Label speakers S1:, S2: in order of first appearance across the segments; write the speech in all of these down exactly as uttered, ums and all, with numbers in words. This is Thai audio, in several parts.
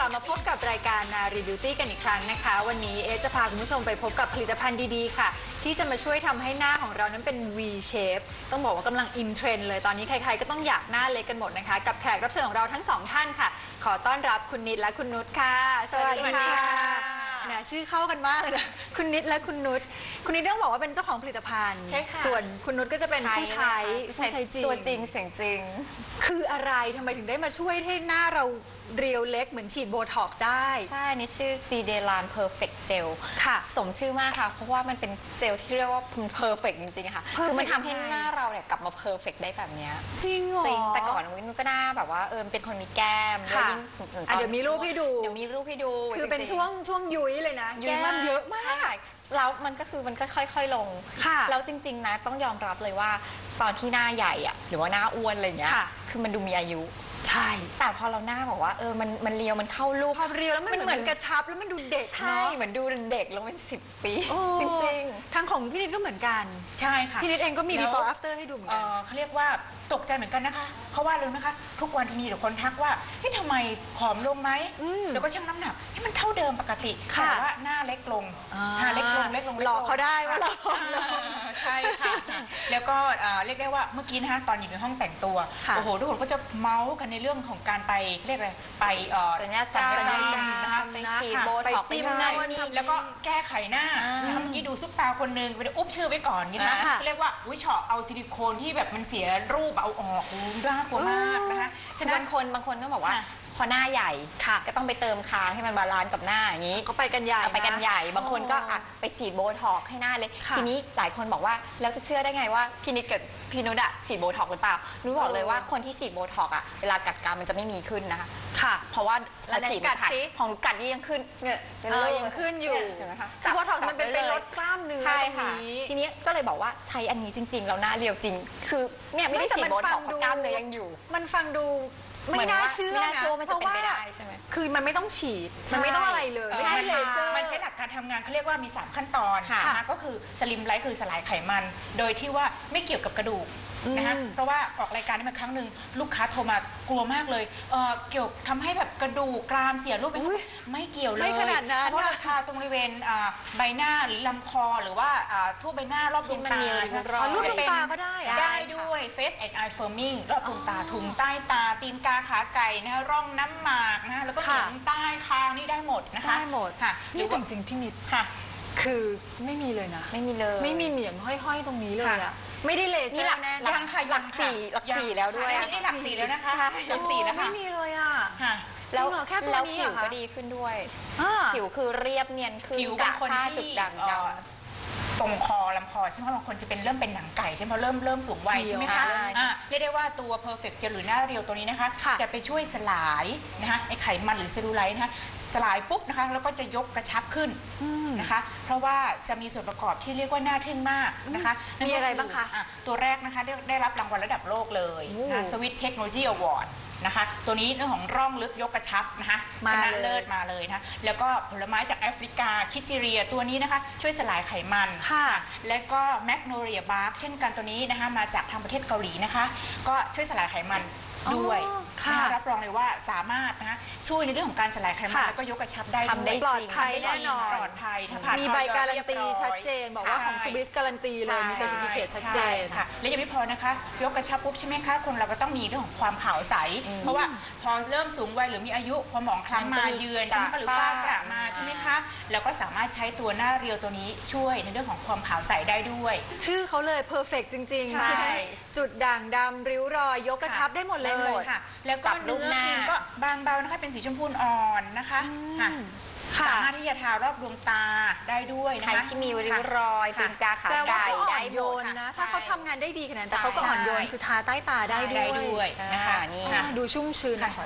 S1: ลับมาพบกับรายการนารีบิวตี้กันอีกครั้งนะคะวันนี้เอจะพาคุณผู้ชมไปพบกับผลิตภัณฑ์ดีๆค่ะที่จะมาช่วยทำให้หน้าของเรานั้นเป็น V shape ต้องบอกว่ากำลังอินเทรนด์เลยตอนนี้ใครๆก็ต้องอยากหน้าเล็กกันหมดนะคะกับแขกรับเชิญของเราทั้งสองท่านค่ะขอต้อนรับคุณนิดและคุณนุชค่ะสวัสดีค่ะนะชื่อเข้ากันมากเลยนะคุณนิดและคุณนุชคุณนิดต้องบอกว่าเป็นเจ้าของผลิตภัณฑ์ใช่ค่ะส่วนคุณนุชก็จะเป็นผู้ใช้ผู้ใช้จริง
S2: ตัวจริงเสียงจริง
S1: คืออะไรทำไมถึงได้มาช่วยให้หน้าเราเรียวเล็กเหมือนฉีดโบท็อกซ์ได้
S2: ใช่นี่ชื่อ ซี เดลาน Perfect Gel ค่ะสมชื่อมากค่ะเพราะว่ามันเป็นเจลที่เรียกว่า Perfect จริงๆค่ะคือมันทำให้หน้าเราเนี่ยกลับมา Perfect ได้แบบนี้
S1: จริงเหรอ
S2: จริงแต่ก่อนวินก็หน้าแบบว่าเออเป็นคนมีแก้มแล้วยิ่ง
S1: เดี๋ยวมีรูปให้ดู
S2: เดี๋ยวมีรูปให้ดู
S1: คือเป็นช่วงช่วงยุ้ยเลยนะแก้มเยอะมาก
S2: แล้วมันก็คือมันก็ค่อยๆลงแล้วจริงๆนะต้องยอมรับเลยว่าตอนที่หน้าใหญ่อะหรือว่าหน้าอ้วนอะไรเงี้ยคือมันดูมีอายุ
S1: ใช่
S2: แต่พอเราหน้าบอกว่าเออมันมันเรียวมันเข้ารูป
S1: พอเรียวแล้วมันเหมือนกระชับแล้วมันดูเด็ก
S2: ใช่เหมือนดูเด็กลงเป็นสิบปีจริง
S1: ๆทางของพี่นิดก็เหมือนกัน
S3: ใช่ค่ะ
S1: พี่นิดเองก็มี before after ให้ดูเหมือนกัน
S3: เขาเรียกว่าตกใจเหมือนกันนะคะเพราะว่ารู้ไหมคะทุกวันจะมีแต่คนทักว่าเฮ้ยทำไมผอมลงไหมแล้วก็ชั่งน้ำหนักให้มันเท่าเดิมปกติแต่ว่าหน้าเล็กลงหน้าเล็กลงเล็กลง
S1: หลอกเขาได้ว่าเรา
S3: ใช่ค่ะแล้วก็เรียกได้ว่าเมื่อกี้นะคะตอนอยู่ในห้องแต่งตัวโอ้โหทุกคนก็จะเมาส์กันในเรื่องของการไปเรียกอะไรไป
S2: สัญญาสัญญากรรมนะคะไปฉีดโบท็อกซ์ไปจิ้มนั่นนี่
S3: แล้วก็แก้ไขหน้านะคะเมื่อกี้ดูซุปตาคนนึงไปอุ๊บชื่อไว้ก่อนนะคะเรียกว่าอุ้ยเฉาะเอาซิลิโคนที่แบบมันเสียรูปเอาออกน่ากลัวมากนะคะ
S2: ฉะนั้นบางคนบางคนก็บอกว่าพอหน้าใหญ่ก็ต้องไปเติมคางให้มันบาลานซ์กับหน้าอย่างนี้
S1: ก็ไปกันใหญ่
S2: ไปกันใหญ่บางคนก็ไปฉีดโบท็อกซ์ให้หน้าเลยทีนี้หลายคนบอกว่าแล้วจะเชื่อได้ไงว่าพี่นิดกับพี่นุชอะฉีดโบท็อกซ์หรือเปล่านุชบอกเลยว่าคนที่ฉีดโบท็อกซ์อะเวลากัดกรามมันจะไม่มีขึ้นนะคะ
S1: ค่ะ
S2: เพราะว่าฉีดกัดของกัดนี่ยังขึ้น
S1: เนี่ยยังขึ้นอยู่โบท็อกซ์มันเป็นเป็นลดกล้ามเนื้อตรงนี้
S2: ทีนี้ก็เลยบอกว่าใช้อันนี้จริงๆแล้วหน้าเรียวจริงคือเนี่ยไม่ได้ฉีดโบท็อกซ์กล้ามเนื้อยังอยู่
S1: มันฟังดูไม่น่าเชื่อนะ
S2: เพราะว่า
S1: คือมันไม่ต้องฉีดมันไม่ต้องอะไรเลยไม่ใช่เลเซอร์
S3: มันใช้หลักการทำงานเขาเรียกว่ามีสามขั้นตอนนะคะก็คือสลิมไลท์คือสลายไขมันโดยที่ว่าไม่เกี่ยวกับกระดูกนะคะเพราะว่าออกรายการนี้มาครั้งหนึ่งลูกค้าโทรมากลัวมากเลยเเกี่ยวทำให้แบบกระดูกกรามเสียรูปไปไม่เกี่ยวเลย
S1: ไม่ขนาดนั้น
S3: เพราะราคาตรงบริเวณใบหน้าหรือลำคอหรือว่าทั่วใบหน้ารอบดวงตา
S1: รูปดวงตาก็ได้
S3: ได้ด้วย Face and Eye Firming รอบดวงตาถุงใต้ตาตีนกาขาไก่นะร่องน้ำหมากนะแล้วก็เหนียงใต้คางนี่ได้หมดนะคะ
S1: ได้หมด
S3: ค่ะ
S1: นี่จริงๆพี่นิด
S3: ค่ะ
S1: คือไม่มีเลยนะ
S2: ไม่มีเลย
S1: ไม่มีเหนียงห้อยๆตรงนี้เลยอะไม่ได้เลเซอร์แน่
S2: หลักหลักสี่หลักสี่แล้วด้วย
S3: นี่หลักสี่แล้วนะคะหลักสี่นะคะ
S1: ไม่มีเลยอะ
S2: แล้วแค่ตัวนี้ผิวก็ดีขึ้นด้วยผิวคือเรียบเนียนคือ
S3: ผิวบางคนที่จุดด่างดำตรงคอลำคอใช่ไหมบางคนจะเป็นเริ่มเป็นหนังไก่ใช่ไหมเริ่มเริ่มสูงวัยใช่ไหมคะเรียกได้ว่าตัว Perfect Gel หรือหน้าเรียวตัวนี้นะคะจะไปช่วยสลายนะคะไอไขมันหรือเซลลูไลท์นะคะสลายปุ๊บนะคะแล้วก็จะยกกระชับขึ้นนะคะเพราะว่าจะมีส่วนประกอบที่เรียกว่าน่าทึ่งมากนะคะ
S1: มีอะไรบ้างคะ
S3: ตัวแรกนะคะได้ได้รับรางวัลระดับโลกเลยนะ Swiss Technology Awardนะคะตัวนี้เรื่องของร่องลึกยกกระชับนะคะชนะเลิศมาเลยนะแล้วก็ผลไม้จากแอฟริกาคิจิเรียตัวนี้นะคะช่วยสลายไขมัน
S1: ค่ะ
S3: และก็แมกโนเรียบาร์กเช่นกันตัวนี้นะคะมาจากทางประเทศเกาหลีนะคะก็ช่วยสลายไขมันด้วยรับรองเลยว่าสามารถนะคะช่วยในเรื่องของการสลายไขมันแล้วก็ยกกระชับได้ด้วย
S1: ปลอดภัยแน่นอน
S3: ปลอดภัยถ้าผ่าน
S1: มีใบการันตีชัดเจนบอกว่าของสวิสการันตีเลยมีเซอร์ติฟิเคตชัดเจน
S3: ค่ะและยังไม่พอนะคะยกกระชับปุ๊บใช่ไหมคะคนเราก็ต้องมีเรื่องของความขาวใสเพราะว่าพอเริ่มสูงวัยหรือมีอายุความหมองคล้ำมาเยือนใช่ไหมคะหรือฝ้ากระมาใช่ไหมคะแล้วก็สามารถใช้ตัวหน้าเรียวตัวนี้ช่วยในเรื่องของความขาวใสได้ด้วย
S1: ชื่อเขาเลยเพอร์เฟกต์จริงๆใช่จุดด่างดำริ้วรอยยกกระชับได้หมดเลย
S3: ค่ะแล้วก็เนื้อครีมก็บางเบานะคะเป็นสีชมพูอ่อนนะคะสามารถที่จะทารอบดวงตาได้ด้วยนะคะ
S2: ใครที่มีริ้วรอยตีนกาขาไก่ได้โยน
S1: นะถ้าเขาทำงานได้ดีขนาดนั้นแต่เขาก็อ่อนโยนคือทาใต้ตาได้
S3: ด้วยนะคะ
S1: นี่ดูชุ่มชื้นนะคะ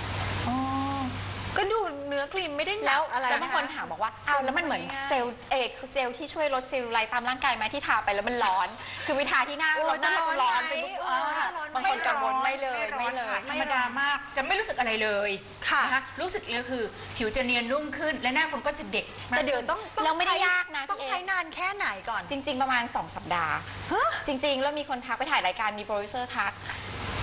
S1: ก็ดูเนื้อครีมไม่ได้หนักอะไร
S2: แล้วบางคนถามบอกว่าอ้าวแล้วมันเหมือนเซลล์เอกเจลที่ช่วยลดเซลลูไลท์ตามร่างกายไหมที่ทาไปแล้วมันร้อนคือวิธาที่หน้าเราหน้าจะร้อนไปบางคนกังวลไม่เลยไม่เลย
S3: ธรรมดามากจะไม่รู้สึกอะไรเลยนะคะรู้สึกเลยคือผิวจะเนียนนุ่มขึ้นและหน้าคนก็จะเด็ก
S1: แต่เดี๋ยวต้อง
S2: เราไม่ได้ยากนะ
S1: ต้องใช้นานแค่ไหนก่อน
S2: จริงๆประมาณสองสัปดาห์จริงๆแล้วมีคนทักไปถ่ายรายการมีโปรดิวเซอร์ทัก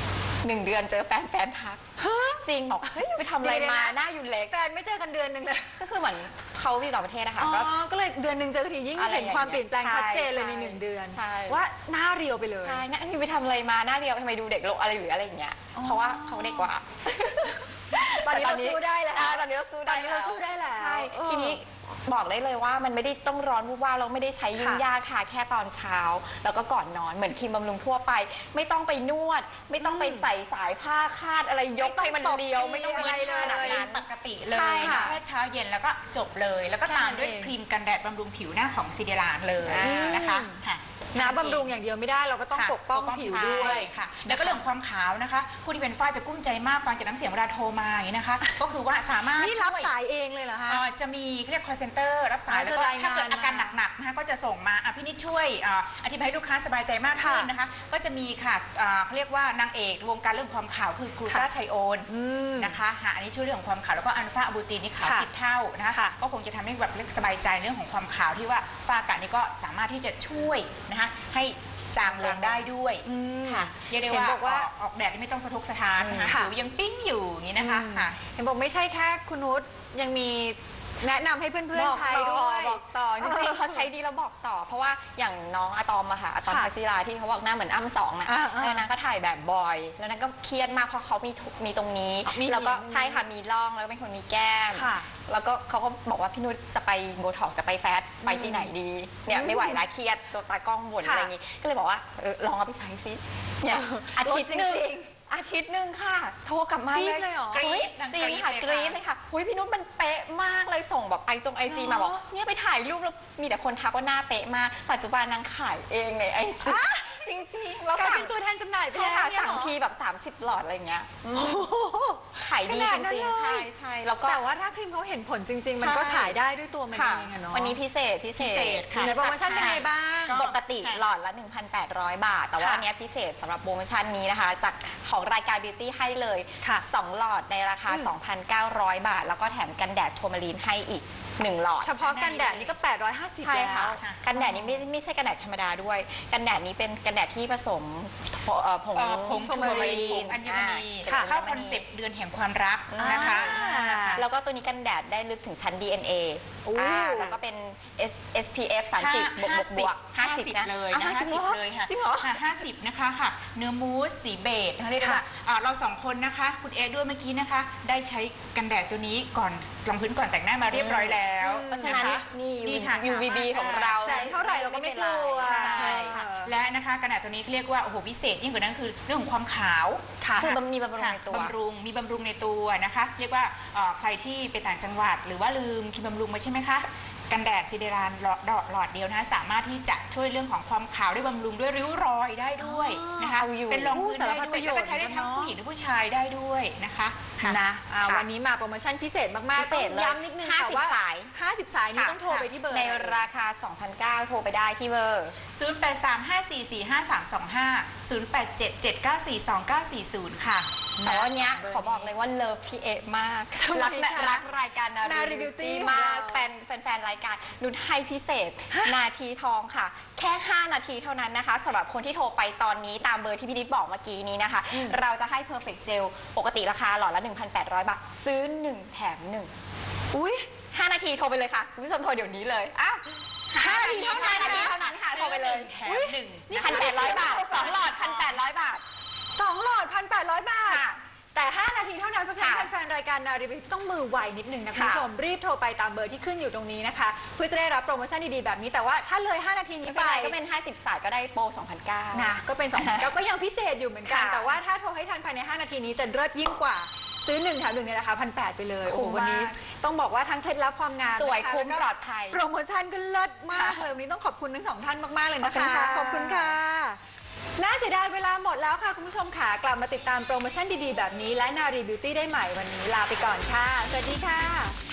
S2: หนึ่งเดือนเจอแฟนแฟนทักจริงบอกเฮ้ยไปทำอะไรมาหน้าอยู่เล็ก
S1: แฟนไม่เจอกันเดือนหนึ่งเลย
S2: ก็คือเหมือนเขาอยู่ต่างประเทศนะคะ
S1: อ๋
S2: ก็
S1: อก็เลยเดือนหนึ่งเจอกันทียิ่ง
S2: อะไร
S1: เห็นความเปลี่ยนแปลง
S2: ใช่
S1: ชัดเจนเลย
S2: ใช่
S1: ในหนึ่งเดือน
S2: ใช่
S1: ว่าหน้าเรียวไปเลย
S2: ใช่หน้านี่ไปทำอะไรมาหน้าเดียวทำไมดูเด็กลงอะไรหรืออะไรอย่างเงี้ยเพราะว่าเขาเด็กกว่า
S1: ตอนนี้เราสู้ได้แล้ว
S2: อ่าตอนนี้เราสู้ได้
S1: ตอนนี้เราสู้ได้แล้ว
S2: ใช่
S1: เออ
S2: ทีนี้บอกได้เลยว่ามันไม่ได้ต้องร้อนวุ่นวายเราไม่ได้ใช้ยุ่ง
S1: ค่ะ
S2: ยากค่ะแค่ตอนเช้า แล้วก็ก่อนนอนเหมือนครีมบำรุงทั่วไป ไม่ต้องไปนวด ไม่ต้องไปใส่สายผ้าคาดอะไรยกให้มันเรียว ไม่ต้อง
S1: อะไรเลย
S2: ขนาดนั้น
S3: ปกติเล
S2: ใช่
S3: ย
S2: ค่ะ
S3: แค่เช้าเย็นแล้วก็จบเลย แล้วก็ตามด้วย
S1: แค่นั้นเอง
S3: ครีมกันแดดบำรุงผิวหน้าของซิเดลานเลย
S2: อืม
S3: นะคะค่ะ
S1: น้ำบำรุงอย่างเดียวไม่ได้เราก็ต้อง
S3: ค่ะ
S1: ปกป้องผิวด้วย
S3: ใช่ค่ะ แล้วก็เรื่องความขาวนะคะ ผู้ที่เป็นฝ้าจะกุ้มใจมากฟังจากน้ำเสียงเวลาโทรมาอย่างนี้นะคะ ก็คือว่าสามารถ
S1: นี่รับ
S3: ช่วย
S1: สายเองเลยเหรอคะ
S3: เอ่อจะมีเรียก call center รับสาย
S1: อ๋อ
S3: แล้วก็
S1: จะรายงาน
S3: ถ้าเกิดอาการ
S1: มา
S3: หนักๆนะคะก็จะส่งมาอ่ะพี่นิดช่วยเอ่ออธิบายให้ลูกค้าสบายใจมากขึ้น
S1: ค่ะ
S3: นะคะ ก็จะมีค่ะเอ่อเขาเรียกว่านางเอกวงการเรื่องความขาวคือกลูตาไทโอน
S1: อืม
S3: นะคะหาอันนี้ช่วยเรื่องของความขาวแล้วก็อัลฟาอะบูตินนี่ขาว
S1: ค่ะ
S3: สิบเท่านะคะ
S1: ค่ะ
S3: ก็คงจะทำให้แบบเล็กสบายใจเรื่องของความขาวที่ว่าฝ้ากระนี่ก็สามารถที่จะช่วยนะคะให้จางลงได้ด้วย
S1: อืม
S3: ค่ะเรียกได้
S1: เห็น
S3: ว่า
S1: บอกว่า
S3: ออกออกแดดนี่ไม่ต้องสะทกสะท้านนะคะ
S1: ค่ะ
S3: ผิวยังปิ้งอยู่อย่างนี้นะคะ
S1: อืม
S3: ค่ะ
S1: เห็นบอกไม่ใช่แค่คุณนุชยังมีแนะนำให้เพื่อนๆใช้ด้วย
S2: บอกต่อจริงๆเขาใช้ดีแล้วบอกต่อ เพราะว่าอย่างน้องอะตอมอะค่ะอะตอม
S1: ค่ะ
S2: พักจิราที่เขาบอกหน้าเหมือนอ้ำสองน่ะ
S1: อ่าๆ
S2: แล้วนางก็ถ่ายแบบบ่อย แล้วนางก็เครียดมากเพราะเขามีทุมีตรงนี้
S1: มี
S2: แล้วก็
S1: มี
S2: ใช่ค่ะมีร่องแล้วก็เป็นคนมีแก้ม
S1: ค่ะ
S2: แล้วก็เขาก็บอกว่าพี่นุชจะไปโบท็อกซ์จะไปแฟตไปที่ไหนดีเนี่ยไม่ไหวละเครียดตัวตากล้องบ่น
S1: ค่ะ
S2: อะไรอย่างงี้ก็เลยบอกว่าเออลองเอาไปใช้ซิเนี่ยอาทิตย์หนึ่ง
S1: ลดจริง
S2: อาทิตย์หนึ่งค่ะ โทรกลับมา
S1: รีบเลยเหรอ
S2: ฮ้
S3: กรี๊ด
S2: จริงค่ะ
S3: นาง
S2: ก
S3: กรี๊
S2: รี๊
S3: ด
S2: ด
S3: เล
S2: เลย ย
S3: ค่ะ
S2: ค่ะอุ้ยพี่นุชมันเป๊ะมากเลยส่งแบบไอจงไอจีมาบอกเนี่ยไปถ่ายรูปแล้วมีแต่คนทักว่าหน้าเป๊ะมากปัจจุบันนางขายเองในไอจีจริงๆแล้ว
S1: กลาย
S2: สั่
S1: เป็
S2: ง
S1: นตัวแทนจำหน่ายไป
S2: ใช่
S1: แล้ว
S2: ค่ะ
S1: เนี่ย
S2: สั่ง
S1: เหรอ
S2: ทีแบบสามสิบหลอดอะไรอย่างเงี้ยอืม
S1: โอ้โห
S2: ขายดี
S1: ขนา
S2: จ
S1: ดนั้น
S2: ริง
S1: เลย
S2: ๆใช่ใช่แล้วก็
S1: แต่ว่าถ้าครีมเขาเห็นผลจริง ๆ มันก็
S2: ใช่
S1: ขายได้ด้วยตัวมัน
S2: ค่ะ
S1: เองอะเนาะ
S2: วันนี้พิเศษพิเศ
S3: พิเศษ
S2: ษ
S3: ค่ะ
S1: ในโปรโมชั่นเป็นไงบ้าง
S3: ก็
S2: ปกติหลอดละ หนึ่งพันแปดร้อย บาท แต่ว่า
S1: ค่ะ
S2: อันเนี้ยพิเศษสำหรับโปรโมชั่นนี้นะคะ จากของรายการ Beauty ให้เลย
S1: ค่ะ
S2: สองหลอดในราคา
S1: อืม
S2: สองพันเก้าร้อย บาท แล้วก็แถมกันแดดโทมารีนให้อีกหนึ่งหลอด
S1: เฉพาะกันแดดนี่ก็แปดร้อยห้าสิบ
S2: ใช่
S1: แล้
S2: ค่ะ
S1: ว
S3: ค่ะ
S2: กันแดดนี้ไม่ไม่ใช่กันแดดธรรมดาด้วย กันแดดนี้เป็นกันแดดที่ผสมเอ่อผง
S3: เอ่อผง
S2: โท
S3: ทู
S2: มา
S3: มา
S2: รี
S3: รีน
S2: น
S3: อัญมณี
S2: ค่ะ
S3: เข้าคอนเซปต์เดือนแห่งความรักนะคะ
S1: อ่า
S2: แล้วก็ตัวนี้กันแดดได้ลึกถึงชั้น ดี เอ็น เอ
S1: โอ้
S2: อ่าแล้วก็เป็น S เอส พี เอฟ สามสิบ บวกบวกบวก
S3: ห้า
S2: ห้า
S3: สิ
S2: สิ
S3: บบ
S2: นะ
S3: เลย
S2: อ่
S3: นะห้า
S2: จริง
S3: สิบ
S2: หรอ
S3: เลยค่ะ
S2: จริงเหรอ
S3: ค่ะห้าสิบนะคะค่ะ เนื้อมูสสีเบจนะคะเรียกได้ว่าอ่าเราสองคนนะคะ คุณเอด้วยเมื่อกี้นะคะ ได้ใช้กันแดดตัวนี้ก่อนรองพื้นก่อนแต่งหน้ามาเรียบร้อยแล้ว
S2: เพราะฉะนั้น
S3: ค
S2: นี่
S3: ดีค่ะ
S2: ยู วี บี ของเรา
S1: แสงเท่าไหร่เราก็ไม่กลัว
S2: ใช่
S3: ค่ะและนะคะกันแดดตัวนี้เรียกว่าโอ้โหพิเศษยิ่งกว่านั้นคือเรื่องของความขาว
S1: ค่ะ
S2: คือมันมีบำรุง
S3: ค่ะ
S2: ในตัว
S3: บำรุงมีบำรุงในตัวนะคะ เรียกว่าเอ่อใครที่ไปต่างจังหวัด หรือว่าลืมครีมบำรุงไว้ใช่ไหมคะกันแดดซิเดรานหลอดหลอดเดียวนะคะสามารถที่จะช่วยเรื่องของความขาวได้บำรุงด้วยริ้วรอยได้ด้วยนะคะ
S2: เอาอยู่
S3: เป็นรองพื้นได้
S1: สารพัด
S3: ด้
S1: ป
S3: วย
S1: ระโยชน์
S3: แล้วก็ใช้ได้ทั้ง
S1: เนอะ
S3: ผู้หญิงและผู้ชายได้ด้วยนะคะค่ะ
S1: นะอ่า
S2: ค่ะ
S1: วันนี้มาโปรโมชั่นพิเศษมาก
S2: พิ
S1: ๆ
S2: เศ
S1: ต้อ
S2: ษ
S1: ง
S2: เลย
S1: ย้ำนิดนึง
S2: ห้า
S1: ค่ะ
S2: สิบ
S1: ว่า
S2: สาย
S1: ห้าสิบสายนี้
S3: ค่ะ
S1: ต้องโทรไปที่เบอร์
S2: ใน
S1: อะไร
S2: ราคา สองพันเก้าร้อย โทรไปได้ที่เบอร์
S3: ศูนย์ แปด สาม ห้า สี่ สี่ ห้า สาม สอง ห้า ศูนย์ แปด เจ็ด เจ็ด เก้า สี่ สอง เก้า สี่ ศูนย์ ค่ะ
S2: แต่ว่าเนี้ยขอบอกเลยว่าเลิฟพี่เอะมาก
S1: ทำไม
S2: รัก
S1: คะ
S2: รักรายการนา
S1: นารี
S2: รี
S1: บิ
S2: บิ
S1: ว
S2: ว
S1: ตี้
S2: ตี้
S1: ของ
S2: มาก
S1: เรา
S2: แฟนแฟนๆรายการนุชให้พิเศษ นาทีทองค่ะ แค่ ห้า นาทีเท่านั้นนะคะสำหรับคนที่โทรไปตอนนี้ตามเบอร์ที่พี่นิดบอกเมื่อกี้นี้นะคะ
S1: อืม
S2: เราจะให้ Perfect Gel ปกติราคาหลอดละ หนึ่งพันแปดร้อย บาท ซื้อ หนึ่ง แถม หนึ่ง
S1: อุ้ย
S2: ห้า นาทีโทรไปเลยค่ะคุณผู้ชมโทรเดี๋ยวนี้เลยอ้าว
S1: ห้านาทีเท่านั้น
S2: ห้านาทีเท่านั้นค่ะโทรไปเลย
S3: แถมหนึ่ง
S2: นี่พันแปดร้อยบาทสองหลอดพันแปดร้อยบาท
S1: สองหลอดพันแปดร้อยบาท
S2: ค่ะ
S1: แต่ ห้า นาทีเท่านั้นเพราะฉะนั้น
S2: ค่ะ
S1: แฟนๆรายการนารีวิวต้องมือไวนิดนึงนะคุณ
S2: ค่ะ
S1: ผู้ชมรีบโทรไปตามเบอร์ที่ขึ้นอยู่ตรงนี้นะคะเพื่อจะได้รับโปรโมชั่นดีๆแบบนี้แต่ว่าถ้าเลย ห้า นาทีนี้
S2: ไม่
S1: ไป
S2: เป็นไรก็เป็นห้าสิบสายก็ได้โปรสองพันเก้าร้อย
S1: นะก็เป็นสองพันเก้าก็ยังพิเศษอยู่เหมือนกัน
S2: ค่ะ
S1: แต่ว่าถ้าโทรให้ทันภายใน ห้า นาทีนี้จะเลิศยิ่งกว่าซื้อหนึ่งแถมหนึ่งในราคาพันแปดไปเลยโอ้โห
S2: คุ้มมาก
S1: วันนี้ต้องบอกว่าทั้งเคล็ดลับความงาม
S2: สวย
S1: นะคะ
S2: คุ้ม
S1: แล้ก็
S2: ปลอดภัย
S1: โปรโมชั่นก็เลิศมาก
S2: ค่ะ
S1: เลยวันนี้ต้องขอบคุณทั้งสองท่านมากๆเลยนะ
S2: ขอบคุณ
S1: คะ
S2: ค่ะ
S1: ขอบคุณค่ะน่าเสียดายเวลาหมดแล้วค่ะคุณผู้ชมค่ะกลับมาติดตามโปรโมชั่นดีๆแบบนี้และนารีบิวตี้ได้ใหม่วันนี้ลาไปก่อนค่ะสวัสดีค่ะ